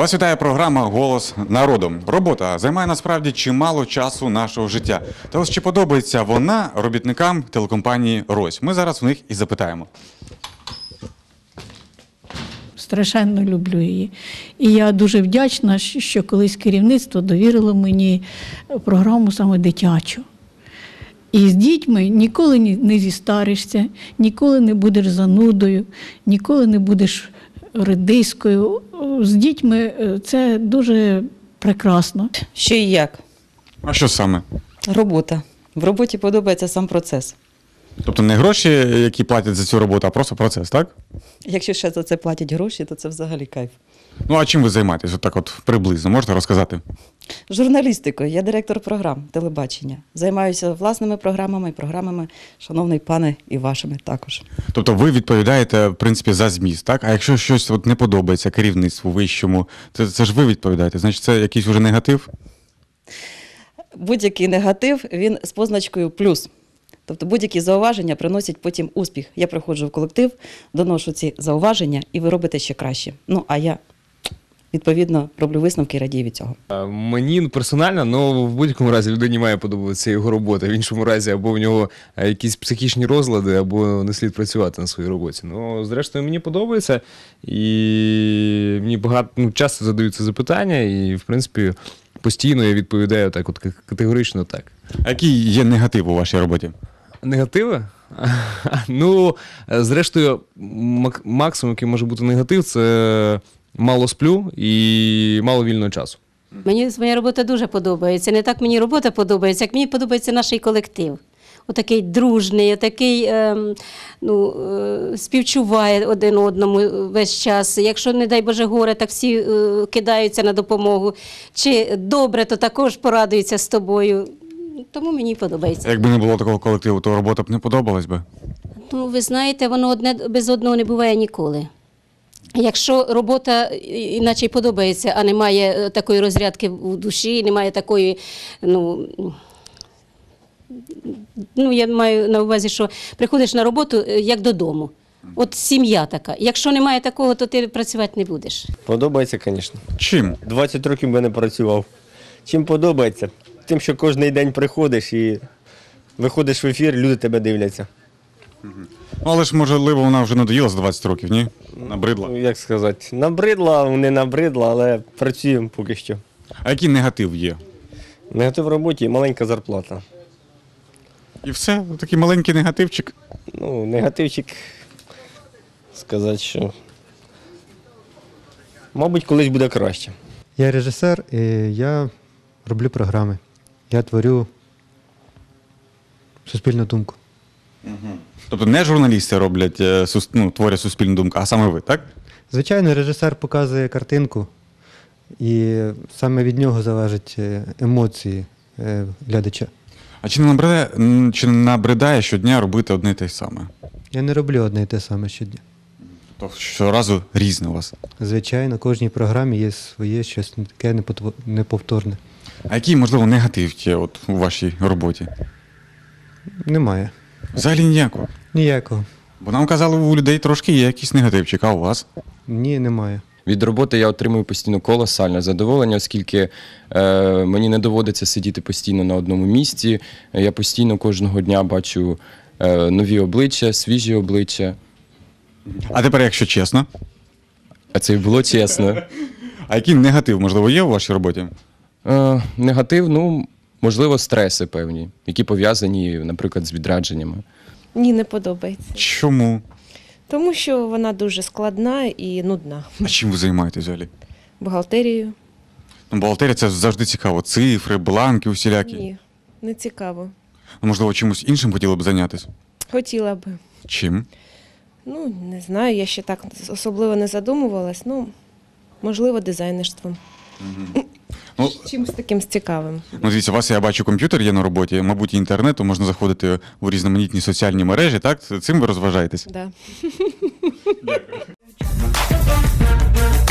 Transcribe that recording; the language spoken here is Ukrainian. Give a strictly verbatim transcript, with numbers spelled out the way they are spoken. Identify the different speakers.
Speaker 1: Вас вітає програма «Голос народу». Робота займає насправді чимало часу нашого життя. Та ось чи подобається вона робітникам телекомпанії «Рось»? Ми зараз в них і запитаємо.
Speaker 2: Страшенно люблю її. І я дуже вдячна, що колись керівництво довірило мені програму саме дитячу. І з дітьми ніколи не зістаришся, ніколи не будеш занудою, ніколи не будеш редискою. З дітьми це дуже прекрасно.
Speaker 3: Що і як?
Speaker 1: А що саме?
Speaker 3: Робота. В роботі подобається сам процес.
Speaker 1: Тобто не гроші, які платять за цю роботу, а просто процес, так?
Speaker 3: Якщо ще за це платять гроші, то це взагалі кайф.
Speaker 1: Ну а чим ви займаєтесь? От так от приблизно, можете розказати?
Speaker 3: Журналістикою. Я директор програм телебачення. Займаюся власними програмами і програмами, шановний пане, і вашими також.
Speaker 1: Тобто ви відповідаєте, в принципі, за зміст, так? А якщо щось от не подобається керівництву вищому, це, це ж ви відповідаєте, значить це якийсь уже негатив?
Speaker 3: Будь-який негатив, він з позначкою плюс. Тобто будь-які зауваження приносять потім успіх. Я приходжу в колектив, доношу ці зауваження, і ви робите ще краще. Ну, а я, відповідно, роблю висновки і радію від цього.
Speaker 4: Мені персонально, ну, в будь-якому разі людині має подобатися його робота. В іншому разі або в нього якісь психічні розлади, або не слід працювати на своїй роботі. Ну, зрештою, мені подобається, і мені багато, ну, часто задаються запитання, і, в принципі, постійно я відповідаю так, от категорично так.
Speaker 1: А який є негатив у вашій роботі?
Speaker 4: Негативи? Ну, зрештою, максимум, який може бути негатив, це мало сплю і мало вільного часу.
Speaker 5: Мені моя робота дуже подобається. Не так мені робота подобається, як мені подобається наш колектив. Отакий дружний, отакий ем, ну, е, співчуває один одному весь час. Якщо, не дай Боже, горе, так всі е, кидаються на допомогу. Чи добре, то також порадуються з тобою. Тому мені подобається.
Speaker 1: Якби не було такого колективу, то робота б не подобалась би?
Speaker 5: Ну, ви знаєте, воно одне без одного не буває ніколи. Якщо робота іначе й подобається, а немає такої розрядки в душі, немає такої, ну, ну, я маю на увазі, що приходиш на роботу як додому. От сім'я така. Якщо немає такого, то ти працювати не будеш.
Speaker 6: Подобається, звісно.
Speaker 1: Чим?
Speaker 6: двадцять років би не працював. Чим подобається? Тим, що кожен день приходиш і виходиш в ефір, люди тебе дивляться.
Speaker 1: Ну, але ж, можливо, вона вже надоїла за двадцять років, ні? Набридла?
Speaker 6: Ну, як сказати, набридла, не набридла, але працюємо поки що.
Speaker 1: А який негатив є?
Speaker 6: Негатив в роботі і маленька зарплата.
Speaker 1: І все? Такий маленький негативчик?
Speaker 6: Ну, негативчик, сказати, що, мабуть, колись буде краще.
Speaker 7: Я режисер, і я роблю програми. Я творю суспільну думку.
Speaker 1: Угу. Тобто не журналісти роблять, ну, творять суспільну думку, а саме ви, так?
Speaker 7: Звичайно, режисер показує картинку, і саме від нього залежать емоції глядача.
Speaker 1: А чи не набридає, чи не набридає щодня робити одне й те саме?
Speaker 7: Я не роблю одне і те саме щодня.
Speaker 1: Тобто щоразу різне у вас?
Speaker 7: Звичайно, в кожній програмі є своє щось таке неповторне.
Speaker 1: А який, можливо, негатив є от у вашій роботі?
Speaker 7: Немає.
Speaker 1: Взагалі ніякого?
Speaker 7: Ніякого.
Speaker 1: Бо нам казали, у людей трошки є якийсь негативчик, а у вас?
Speaker 7: Ні, немає.
Speaker 8: Від роботи я отримую постійно колосальне задоволення, оскільки е, мені не доводиться сидіти постійно на одному місці. Я постійно кожного дня бачу е, нові обличчя, свіжі обличчя.
Speaker 1: А тепер, якщо чесно?
Speaker 8: А це і було чесно.
Speaker 1: А який негатив, можливо, є у вашій роботі?
Speaker 8: Е, негатив, ну, можливо, стреси певні, які пов'язані, наприклад, з відрядженнями.
Speaker 9: Ні, не подобається.
Speaker 1: Чому?
Speaker 9: Тому що вона дуже складна і нудна.
Speaker 1: А чим ви займаєтесь взагалі?
Speaker 9: Бухгалтерією?
Speaker 1: Ну, бухгалтерія – це завжди цікаво. Цифри, бланки усілякі.
Speaker 9: Ні, не цікаво.
Speaker 1: Ну, можливо, чимось іншим хотіли б зайнятися?
Speaker 9: Хотіла би.
Speaker 1: Чим?
Speaker 9: Ну, не знаю, я ще так особливо не задумувалась. Ну, можливо, дизайнерством.
Speaker 1: Угу. Ну,
Speaker 9: чимось таким цікавим.
Speaker 1: Ну, дивіться, у вас, я бачу, комп'ютер є на роботі, мабуть, і інтернету, можна заходити у різноманітні соціальні мережі, так? Цим ви розважаєтесь?
Speaker 9: Да.
Speaker 1: Дякую.